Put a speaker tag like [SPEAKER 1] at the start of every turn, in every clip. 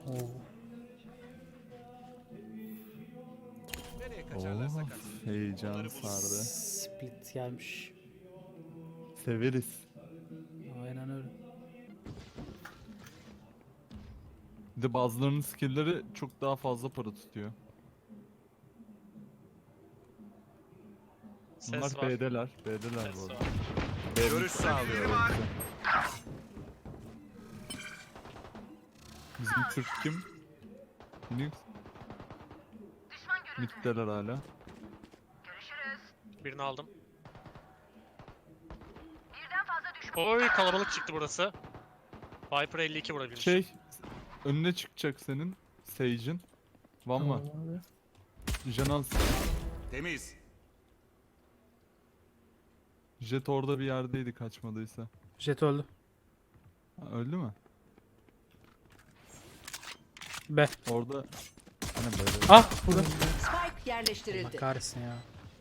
[SPEAKER 1] Oo.
[SPEAKER 2] Nereye kaçarlarsa
[SPEAKER 3] Oh,
[SPEAKER 2] kaçsın.
[SPEAKER 3] heyecan
[SPEAKER 2] Onları bulur.
[SPEAKER 3] sardı.
[SPEAKER 1] Split gelmiş.
[SPEAKER 3] Severiz.
[SPEAKER 1] Aynen öyle.
[SPEAKER 3] Bir de bazılarının skill'leri çok daha fazla para tutuyor. Bunlar
[SPEAKER 4] Ses var.
[SPEAKER 3] B'deler. B'deler bu
[SPEAKER 4] Ses
[SPEAKER 3] arada.
[SPEAKER 4] var.
[SPEAKER 2] Görüş sağlıyorum.
[SPEAKER 3] Bizim Türk kim? Phoenix. Mid'deler hala.
[SPEAKER 4] Birini aldım. Oy kalabalık çıktı burası. Viper 52 vurabilmiş.
[SPEAKER 3] Şey, önüne çıkacak senin. Sage'in. Van var. Janans.
[SPEAKER 2] Temiz.
[SPEAKER 3] Jet orada bir yerdeydi kaçmadıysa.
[SPEAKER 1] Jet öldü.
[SPEAKER 3] Ha, öldü mü?
[SPEAKER 1] B.
[SPEAKER 3] Orada... Hani böyle.
[SPEAKER 1] Ah burada.
[SPEAKER 5] Spike
[SPEAKER 1] Allah
[SPEAKER 5] yerleştirildi.
[SPEAKER 1] kahretsin ya.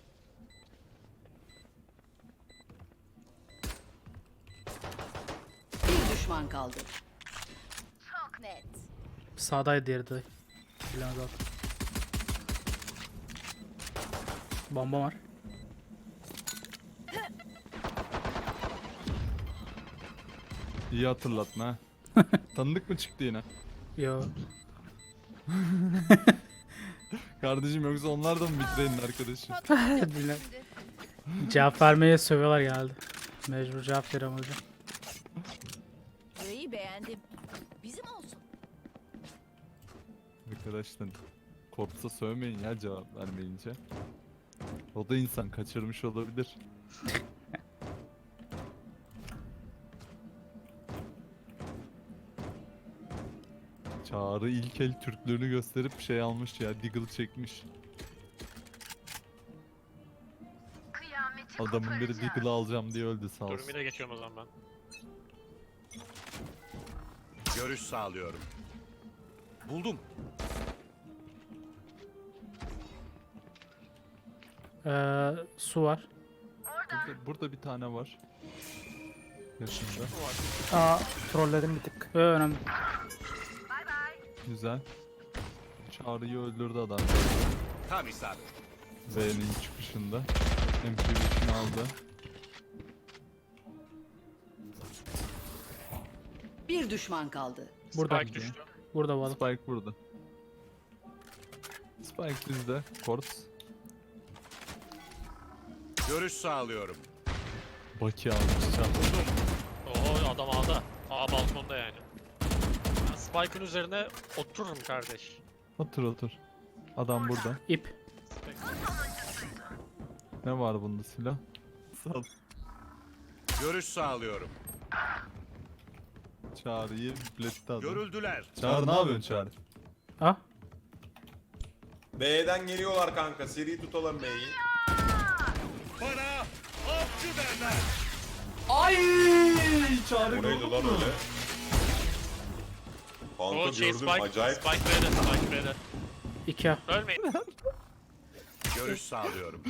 [SPEAKER 5] Bir düşman kaldı. Çok net.
[SPEAKER 1] Sağdaydı diğeri de. Bilemez artık. Bomba var.
[SPEAKER 3] İyi hatırlatma ha. Tanıdık mı çıktı yine?
[SPEAKER 1] Yo.
[SPEAKER 3] Kardeşim yoksa onlar da mı Bitray'ın arkadaşı?
[SPEAKER 1] Bilmem. Cevap vermeye sövüyorlar geldi. Mecbur cevap veriyorum hocam.
[SPEAKER 5] Burayı beğendim. Bizim olsun.
[SPEAKER 3] Arkadaşlar korksa sövmeyin ya cevap vermeyince. O da insan kaçırmış olabilir. Çağrı ilk el Türklüğünü gösterip şey almış ya, Deagle çekmiş. Adamın biri Deagle'ı alacağım diye öldü sağ olsun.
[SPEAKER 4] Durumine geçiyorum o zaman ben.
[SPEAKER 2] Görüş sağlıyorum. Buldum.
[SPEAKER 1] Su var.
[SPEAKER 3] Burada bir tane var. Yaşında.
[SPEAKER 1] Aa, trolledim bir tık. Önemli.
[SPEAKER 3] Güzel. Çağrı'yı öldürdü adam.
[SPEAKER 2] Tam isabet.
[SPEAKER 3] B'nin çıkışında. MP5'ini aldı.
[SPEAKER 5] Bir düşman kaldı.
[SPEAKER 1] Burada.
[SPEAKER 4] Spike düştü.
[SPEAKER 1] Burada bu adam.
[SPEAKER 3] Spike burada. Spike bizde. Korps.
[SPEAKER 2] Görüş sağlıyorum.
[SPEAKER 3] Baki almış. Çağrı.
[SPEAKER 4] Oo adam A'da. A balkonda yani. Ben Spike'ın üzerine otururum kardeş.
[SPEAKER 3] Otur otur. Adam burada.
[SPEAKER 1] İp.
[SPEAKER 3] Ne var bunda silah? Sal.
[SPEAKER 2] Görüş sağlıyorum.
[SPEAKER 3] Çağrı'yı biletti adam.
[SPEAKER 2] Görüldüler.
[SPEAKER 3] Çağrı ne yapıyorsun Çağrı?
[SPEAKER 1] Ah.
[SPEAKER 6] B'den geliyorlar kanka. Seri tutalım B'yi.
[SPEAKER 2] Bana avcı derler.
[SPEAKER 3] Ay! Çağrı
[SPEAKER 6] O neydi lan öyle? Kanka
[SPEAKER 4] O şey
[SPEAKER 6] gördüm
[SPEAKER 4] Spike.
[SPEAKER 6] acayip.
[SPEAKER 4] Spike B'de. Spike B'de.
[SPEAKER 1] 2A.
[SPEAKER 4] Ölmeyin.
[SPEAKER 2] Görüş sağlıyorum.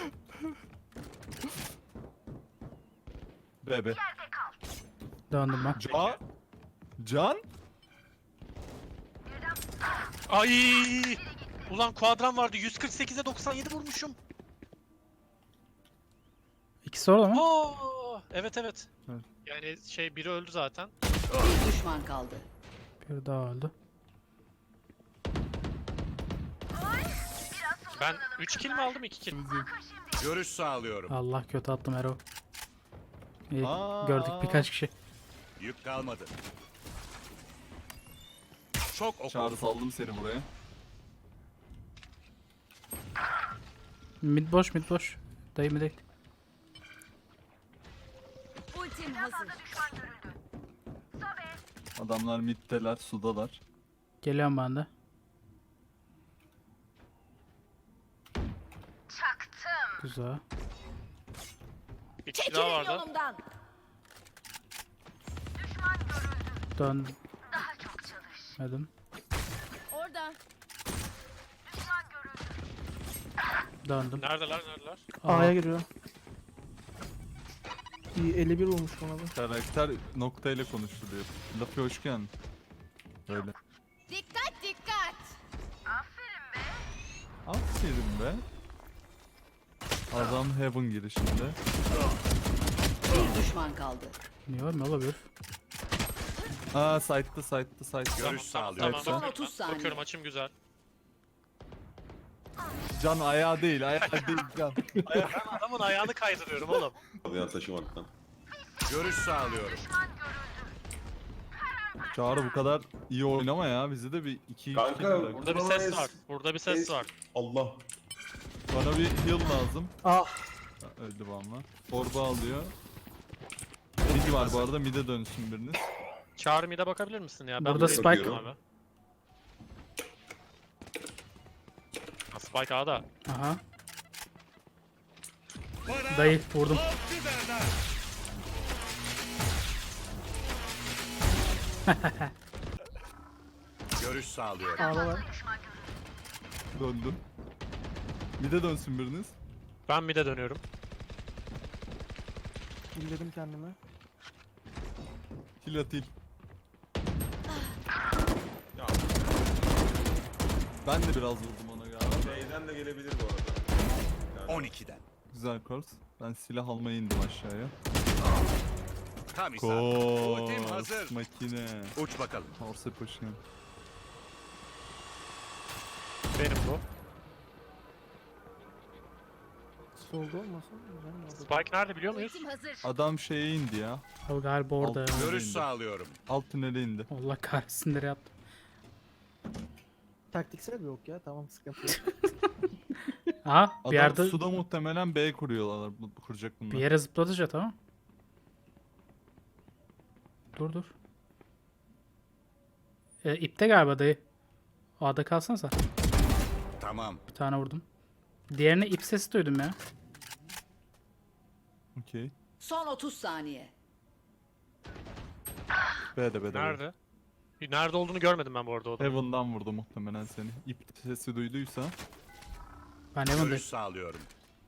[SPEAKER 3] Bebe.
[SPEAKER 1] Döndüm ben.
[SPEAKER 3] Can? Can?
[SPEAKER 4] Ay! Ulan kuadram vardı. 148'e 97 vurmuşum.
[SPEAKER 1] İkisi orada mı?
[SPEAKER 4] Aa! Evet evet.
[SPEAKER 3] Evet.
[SPEAKER 4] Yani şey biri öldü zaten.
[SPEAKER 5] Bir düşman kaldı.
[SPEAKER 1] Bir daha öldü.
[SPEAKER 4] Ben 3 kill mi aldım 2 kill?
[SPEAKER 2] Görüş sağlıyorum.
[SPEAKER 1] Allah kötü attım Ero. İyi,
[SPEAKER 3] Aa.
[SPEAKER 1] gördük birkaç kişi.
[SPEAKER 2] Yük kalmadı. Çok oku.
[SPEAKER 3] Çağrı saldım seni buraya.
[SPEAKER 1] Mid boş mid boş. Dayı mı değil.
[SPEAKER 5] Ultim hazır.
[SPEAKER 3] Adamlar middeler, sudalar.
[SPEAKER 1] Geliyorum ben de. Güzel.
[SPEAKER 4] Bir kişi daha vardı.
[SPEAKER 5] yolumdan.
[SPEAKER 1] Döndüm. Dedim.
[SPEAKER 5] Orada.
[SPEAKER 1] Döndüm.
[SPEAKER 4] Neredeler neredeler?
[SPEAKER 1] A'ya
[SPEAKER 7] giriyor. İyi 51 olmuş bana da.
[SPEAKER 3] Karakter noktayla konuşuluyor. Lafı hoş geldin. Böyle.
[SPEAKER 5] Dikkat dikkat.
[SPEAKER 3] Aferin be. Adam Heaven girişinde.
[SPEAKER 5] Bir düşman kaldı.
[SPEAKER 1] Niye var mı olabilir?
[SPEAKER 3] Aa site'da.
[SPEAKER 2] Görüş sağlıyorum.
[SPEAKER 5] Son 30 saniye.
[SPEAKER 4] Bakıyorum açım güzel.
[SPEAKER 3] Can ayağı değil Can.
[SPEAKER 4] Ben adamın ayağını kaydırıyorum oğlum.
[SPEAKER 6] Alyan taşımaktan.
[SPEAKER 2] Görüş sağlıyorum.
[SPEAKER 3] Çağrı bu kadar iyi oynama ya. Bizi de bir 2-2
[SPEAKER 6] Kanka,
[SPEAKER 3] bırak.
[SPEAKER 4] Burada bir ses var. Burada bir ses var.
[SPEAKER 6] Allah.
[SPEAKER 3] Bana bir heal lazım.
[SPEAKER 1] Ah.
[SPEAKER 3] Ha, öldü valla. Torba alıyor. Mid var bu arada, mid'e dönsün biriniz.
[SPEAKER 4] Çağrı mid'e bakabilir misin ya? Ben
[SPEAKER 1] Burada
[SPEAKER 4] buraya
[SPEAKER 1] Spike.
[SPEAKER 4] bakıyorum abi. Ha, Spike A'da.
[SPEAKER 1] Aha. Dayı vurdum.
[SPEAKER 2] Görüş sağlıyorum.
[SPEAKER 1] Ağla var.
[SPEAKER 3] Döndüm. Mid'e dönsün biriniz.
[SPEAKER 4] Ben mid'e dönüyorum.
[SPEAKER 7] İlledim kendime.
[SPEAKER 3] Heal at heal.
[SPEAKER 6] Ya
[SPEAKER 3] Ben de biraz vurdum ona galiba.
[SPEAKER 6] şeyden de gelebilir bu arada. Yani
[SPEAKER 2] 12'den.
[SPEAKER 3] Güzel kors. Ben silah almaya indim aşağıya.
[SPEAKER 2] Tam isabet. Ultim
[SPEAKER 3] Kors
[SPEAKER 2] hazır.
[SPEAKER 3] makine.
[SPEAKER 2] Uç bakalım.
[SPEAKER 3] Korsa koşuyor.
[SPEAKER 4] Benim bu.
[SPEAKER 7] Solda olmasın. Güzel mi oldu?
[SPEAKER 4] Spike nerede biliyor muyuz?
[SPEAKER 5] Ultim hazır.
[SPEAKER 3] Adam şeye indi ya.
[SPEAKER 1] Abi galiba orada.
[SPEAKER 3] Altı.
[SPEAKER 2] Görüş sağlıyorum.
[SPEAKER 3] Alt tünele indi.
[SPEAKER 1] Allah kahretsin nereye yaptım.
[SPEAKER 7] Taktiksel bir ok ya. Tamam sıkıntı yok.
[SPEAKER 1] Aha
[SPEAKER 3] Adam
[SPEAKER 1] bir yerde
[SPEAKER 3] suda muhtemelen B kuruyorlar. Kuracak bunlar.
[SPEAKER 1] bir yere zıpladı tamam. Dur. İpte galiba dayı. A'da kalsana sen.
[SPEAKER 2] Tamam.
[SPEAKER 1] Bir tane vurdum. Diğerine ip sesi duydum ya.
[SPEAKER 3] Okey.
[SPEAKER 5] Son 30 saniye.
[SPEAKER 3] B'de.
[SPEAKER 4] Nerede? Nerede olduğunu görmedim ben bu arada o adamın.
[SPEAKER 3] Heaven'dan vurdu muhtemelen seni. İp sesi duyduysa.
[SPEAKER 1] Ben
[SPEAKER 2] Görüş
[SPEAKER 1] Evan'dayım.
[SPEAKER 2] sağlıyorum.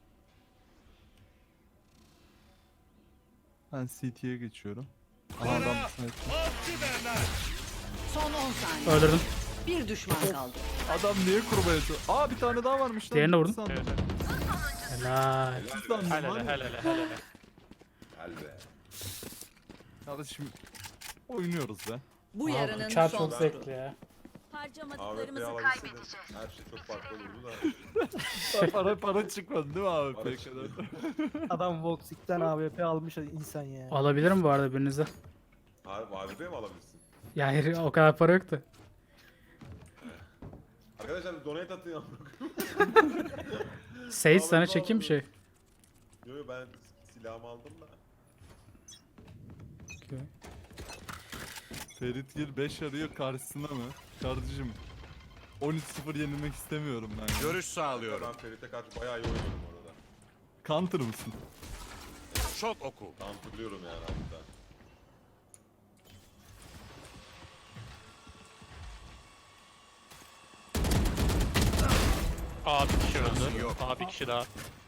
[SPEAKER 3] Ben CT'ye geçiyorum. Aha adam sniper.
[SPEAKER 5] Son 10 saniye.
[SPEAKER 1] Öldürdüm.
[SPEAKER 5] Bir düşman kaldı.
[SPEAKER 3] Adam niye kurmaya çalışıyor? Aa bir tane daha varmış lan.
[SPEAKER 1] Diğerini vurdum.
[SPEAKER 3] Sandım.
[SPEAKER 4] Evet, evet.
[SPEAKER 1] Helal.
[SPEAKER 3] Sandım
[SPEAKER 4] Helal
[SPEAKER 3] var ya.
[SPEAKER 4] helal.
[SPEAKER 6] Gel be.
[SPEAKER 3] Kardeşim oynuyoruz be.
[SPEAKER 5] Bu
[SPEAKER 1] Abi,
[SPEAKER 5] yarının
[SPEAKER 1] uçar
[SPEAKER 5] son
[SPEAKER 1] çok
[SPEAKER 5] turu.
[SPEAKER 1] zevkli ya.
[SPEAKER 6] AWP'yi alabilseydim her şey çok farklı olurdu da.
[SPEAKER 3] para çıkmadı değil mi abi?
[SPEAKER 6] Para
[SPEAKER 3] Peki.
[SPEAKER 6] çıktı.
[SPEAKER 7] Adam Voxic'ten AWP almış insan ya.
[SPEAKER 1] Alabilirim bu arada birinize.
[SPEAKER 6] AWP mi alabilirsin?
[SPEAKER 1] Ya hayır, o kadar para yoktu.
[SPEAKER 6] Arkadaşlar donate atın ya.
[SPEAKER 1] Sage sana çekeyim bir şey.
[SPEAKER 6] Yo ben silahımı aldım da.
[SPEAKER 3] Ferit Gil 5 arıyor karşısına mı? Kardeşim 13-0 yenilmek istemiyorum ben ya.
[SPEAKER 2] Görüş sağlıyorum.
[SPEAKER 6] Ben Ferit'e karşı bayağı iyi oynuyorum orada.
[SPEAKER 3] Counter mısın?
[SPEAKER 2] Şok oku.
[SPEAKER 6] Counterlıyorum yani hatta.
[SPEAKER 4] Aa bir kişi öldü.
[SPEAKER 2] Yok.
[SPEAKER 4] Aa bir kişi daha.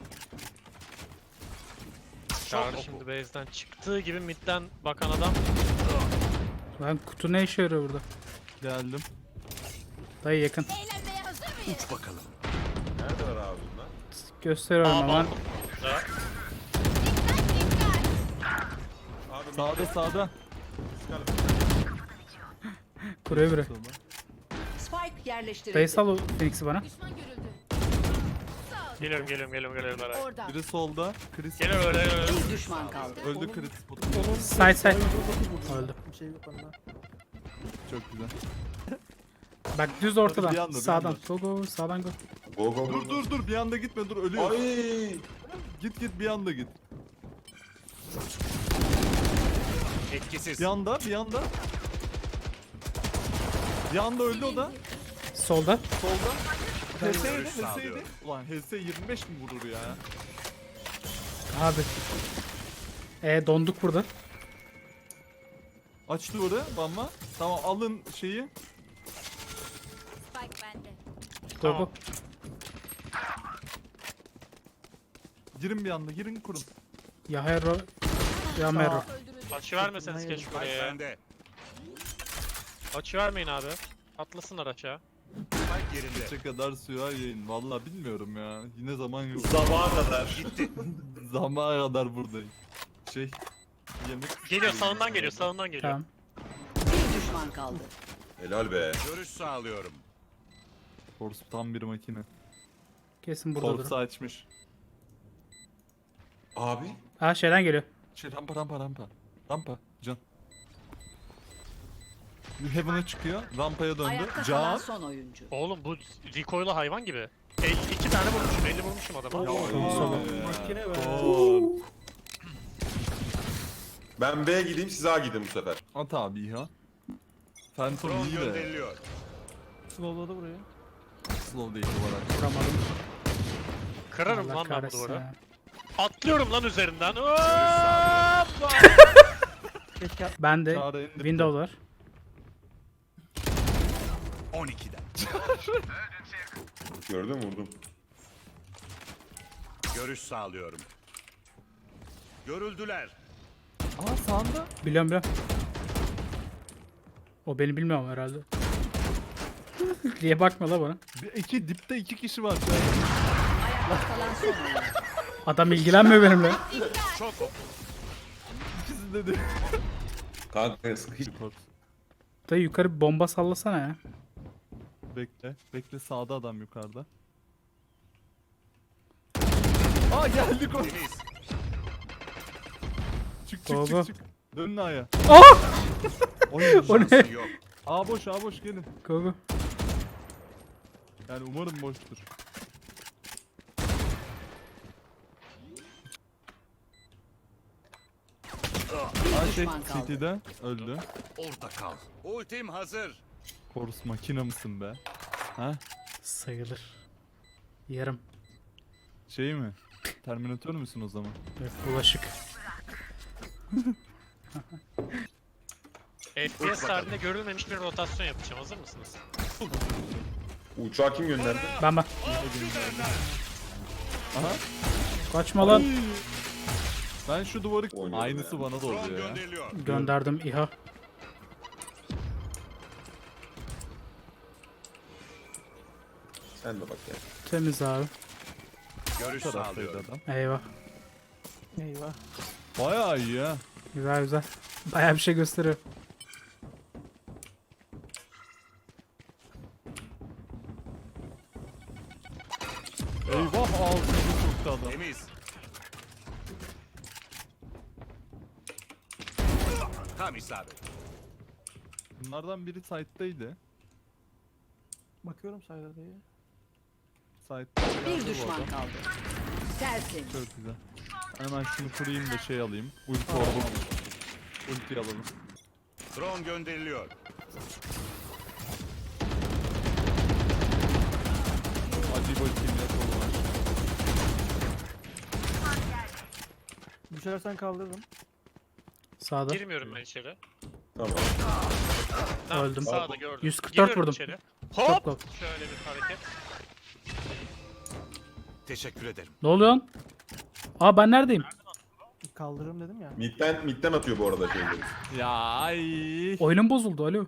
[SPEAKER 4] Çağrı şimdi base'den çıktığı gibi midden bakan adam.
[SPEAKER 1] Lan kutu ne işe yarıyor burada?
[SPEAKER 3] Geldim.
[SPEAKER 1] Dayı yakın.
[SPEAKER 5] Eğlenmeye hazır mıyız?
[SPEAKER 2] Uç bakalım.
[SPEAKER 6] Neredeler abi bunlar?
[SPEAKER 1] Gösteriyorum
[SPEAKER 4] Aa
[SPEAKER 1] ama.
[SPEAKER 4] balkon. Güzel.
[SPEAKER 6] Abi
[SPEAKER 3] Sağda.
[SPEAKER 6] çıkalım.
[SPEAKER 1] Kuruyor biri.
[SPEAKER 5] Spike yerleştirildi.
[SPEAKER 1] Dayı sal o Phoenix'i bana.
[SPEAKER 5] Düşman görüldü.
[SPEAKER 4] Geliyorum.
[SPEAKER 5] Orada.
[SPEAKER 3] Biri solda. Chris
[SPEAKER 4] Geliyor öyle.
[SPEAKER 5] Bir düşman kaldı.
[SPEAKER 3] öldü Chris.
[SPEAKER 1] Side. Öldü.
[SPEAKER 7] Bir şey yok onda.
[SPEAKER 3] Çok güzel.
[SPEAKER 1] Bak düz
[SPEAKER 3] Bir
[SPEAKER 1] ortadan.
[SPEAKER 3] anda, bir
[SPEAKER 1] Sağdan.
[SPEAKER 3] anda.
[SPEAKER 1] Go sağdan go.
[SPEAKER 6] Go go
[SPEAKER 3] Dur bir anda gitme dur ölüyor.
[SPEAKER 6] Ay!
[SPEAKER 3] Git bir anda git.
[SPEAKER 2] Etkisiz.
[SPEAKER 3] Bir anda. Bir anda öldü o da.
[SPEAKER 1] Solda.
[SPEAKER 3] Solda.
[SPEAKER 2] Görüş
[SPEAKER 3] HS'ydi.
[SPEAKER 2] sağlıyorum.
[SPEAKER 3] Ulan HS 25 mi vurur ya?
[SPEAKER 1] Abi. Donduk burada.
[SPEAKER 3] Aç duvarı bamba. Tamam alın şeyi.
[SPEAKER 5] Spike bende.
[SPEAKER 1] Go go.
[SPEAKER 3] Girin bir anda girin kurun.
[SPEAKER 1] Ya hero. Ya mero.
[SPEAKER 5] Öldürüldü.
[SPEAKER 4] Açı vermeseniz keşke
[SPEAKER 2] Spike
[SPEAKER 4] oraya.
[SPEAKER 2] bende.
[SPEAKER 4] Açı vermeyin abi. Atlasınlar aşağı.
[SPEAKER 2] Spike yerinde.
[SPEAKER 3] Kaça kadar sürer yayın? Vallahi bilmiyorum ya. Yine zaman yok.
[SPEAKER 6] Sabaha kadar.
[SPEAKER 2] Gitti.
[SPEAKER 3] Zamana kadar buradayım. Şey... Yemek...
[SPEAKER 4] Geliyor sağından geliyor sağından geliyor.
[SPEAKER 1] Tamam.
[SPEAKER 5] Bir düşman kaldı.
[SPEAKER 6] Helal be.
[SPEAKER 2] Görüş sağlıyorum.
[SPEAKER 3] Force tam bir makine.
[SPEAKER 1] Kesin buradadır.
[SPEAKER 3] Force'u açmış.
[SPEAKER 6] Abi.
[SPEAKER 1] Ha şeyden geliyor.
[SPEAKER 3] Şey rampa. Rampa. Can. Heaven'a çıkıyor. Rampaya döndü.
[SPEAKER 5] Ayakta kalan
[SPEAKER 3] Can.
[SPEAKER 5] son oyuncu.
[SPEAKER 4] Oğlum bu recoil'lı hayvan gibi. 52 tane vurmuşum 50 vurmuşum adama.
[SPEAKER 7] Makine be.
[SPEAKER 3] Gol.
[SPEAKER 6] Ben B'ye gideyim siz A gidin bu sefer.
[SPEAKER 3] At abi ya. Phantom
[SPEAKER 2] Drone
[SPEAKER 3] iyi de.
[SPEAKER 2] gönderiliyor.
[SPEAKER 7] Slowladı burayı.
[SPEAKER 3] Slow değil olarak.
[SPEAKER 1] Vuramadım.
[SPEAKER 4] Kırarım
[SPEAKER 1] Allah
[SPEAKER 4] lan ben bu
[SPEAKER 1] kahretsin
[SPEAKER 4] duvarı.
[SPEAKER 1] ya.
[SPEAKER 4] Atlıyorum lan üzerinden. Hoppa!
[SPEAKER 7] Keşke
[SPEAKER 1] Ben de
[SPEAKER 3] Çağrı indir.
[SPEAKER 1] window var.
[SPEAKER 2] 12'den.
[SPEAKER 6] Gördün mü vurdum.
[SPEAKER 2] Görüş sağlıyorum. Görüldüler.
[SPEAKER 3] Aa sağında.
[SPEAKER 1] Biliyorum. O beni bilmiyorum herhalde. Diye bakma la bana.
[SPEAKER 3] Dipte iki kişi var.
[SPEAKER 5] Ayakta kalan son oyuncu.
[SPEAKER 1] Adam ilgilenmiyor benimle.
[SPEAKER 2] Şok oku.
[SPEAKER 3] İkisi de
[SPEAKER 6] Kanka sıkı.
[SPEAKER 1] Da yukarı bir bomba sallasana ya.
[SPEAKER 3] Bekle sağda adam yukarıda. Aa geldik o.
[SPEAKER 2] Temiz.
[SPEAKER 3] Çık
[SPEAKER 1] Go.
[SPEAKER 3] çık. Dönün A'ya.
[SPEAKER 1] Oh!
[SPEAKER 3] Oy,
[SPEAKER 1] O ne?
[SPEAKER 2] Şansı yok.
[SPEAKER 3] A boş gelin.
[SPEAKER 1] Go go.
[SPEAKER 3] Yani umarım boştur.
[SPEAKER 5] Bir
[SPEAKER 3] Şey
[SPEAKER 5] düşman kaldı.
[SPEAKER 3] City'de öldü.
[SPEAKER 2] Orada kal. Ultim hazır.
[SPEAKER 3] Korus makine mısın be? Ha?
[SPEAKER 1] Sayılır. Yarım.
[SPEAKER 3] Şey mi? Terminatör müsün o zaman?
[SPEAKER 1] Evet, bulaşık.
[SPEAKER 4] FPS tarihinde görülmemiş bir rotasyon yapacağım. Hazır mısınız?
[SPEAKER 6] Uçağı kim gönderdi?
[SPEAKER 1] Ben.
[SPEAKER 3] Aha.
[SPEAKER 1] Kaçma lan.
[SPEAKER 3] Ben şu duvarı...
[SPEAKER 6] Oynuyorum
[SPEAKER 3] Aynısı
[SPEAKER 6] ya.
[SPEAKER 3] bana da
[SPEAKER 2] Drone
[SPEAKER 3] oluyor ya.
[SPEAKER 2] gönderiliyor.
[SPEAKER 1] Gönderdim İHA.
[SPEAKER 6] Sen de bak ya.
[SPEAKER 1] Temiz abi.
[SPEAKER 2] Görüş
[SPEAKER 3] Taraftaydı
[SPEAKER 2] sağlıyorum.
[SPEAKER 3] adam.
[SPEAKER 1] Eyvah.
[SPEAKER 7] Eyvah.
[SPEAKER 3] Bayağı iyi ya.
[SPEAKER 1] Güzel. Bayağı bir şey gösteriyor.
[SPEAKER 3] Eyvah ağzını soktu adam.
[SPEAKER 2] Temiz. Tam isabet.
[SPEAKER 3] Bunlardan biri site'daydı.
[SPEAKER 7] Bakıyorum sayıda diye.
[SPEAKER 3] Site'da.
[SPEAKER 5] Bir düşman kaldı. Tersin.
[SPEAKER 3] Çok güzel. Hemen şunu kurayım da şey alayım. Ulti orada. Ulti alalım.
[SPEAKER 2] Drone gönderiliyor.
[SPEAKER 3] Hadi bakayım ne kolu var.
[SPEAKER 7] Düşersen kaldırırım.
[SPEAKER 1] Sağda.
[SPEAKER 4] Girmiyorum ben içeri.
[SPEAKER 6] Tamam.
[SPEAKER 4] Tamam,
[SPEAKER 1] Öldüm.
[SPEAKER 4] Sağda gördüm.
[SPEAKER 1] 144
[SPEAKER 4] Giriyorum
[SPEAKER 1] vurdum.
[SPEAKER 4] içeri.
[SPEAKER 1] Çok
[SPEAKER 4] Hop!
[SPEAKER 1] low.
[SPEAKER 4] Şöyle bir hareket.
[SPEAKER 2] Teşekkür ederim.
[SPEAKER 1] Ne oluyor lan? Aa ben neredeyim?
[SPEAKER 7] Kaldırırım dedim ya.
[SPEAKER 6] Midden atıyor bu arada şeyleri.
[SPEAKER 3] Ya ay.
[SPEAKER 1] Oyunum bozuldu alo.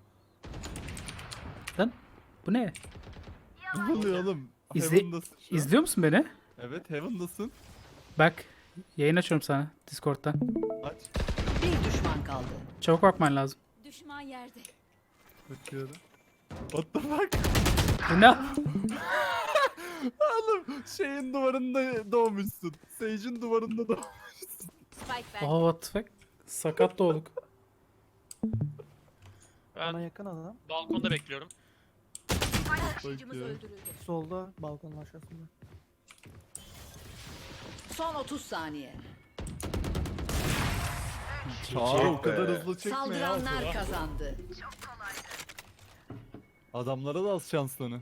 [SPEAKER 1] Lan bu ne?
[SPEAKER 3] Ne oluyor oğlum?
[SPEAKER 1] İzle-
[SPEAKER 3] Heaven'dasın şu an.
[SPEAKER 1] İzliyor musun beni?
[SPEAKER 3] Evet Heaven'dasın.
[SPEAKER 1] Bak. Yayın açıyorum sana Discord'dan.
[SPEAKER 3] Aç.
[SPEAKER 5] Bir düşman kaldı.
[SPEAKER 1] Çabuk bakman lazım.
[SPEAKER 5] Düşman yerde.
[SPEAKER 3] Bakıyorum. What the fuck?
[SPEAKER 1] Bu ne?
[SPEAKER 3] Oğlum şeyin duvarında doğmuşsun. Sage'in duvarında doğmuşsun.
[SPEAKER 5] Spike
[SPEAKER 1] Aa what the fuck? Sakat doğduk.
[SPEAKER 4] Ben
[SPEAKER 7] Bana yakın adam.
[SPEAKER 4] balkonda bekliyorum.
[SPEAKER 3] Bakıyorum.
[SPEAKER 7] Solda balkonun aşağısında.
[SPEAKER 5] Son 30 saniye.
[SPEAKER 3] Çağrı o
[SPEAKER 6] be.
[SPEAKER 3] kadar hızlı çekme ya.
[SPEAKER 5] Saldıranlar kazandı.
[SPEAKER 3] Adamlara da az şanslanı.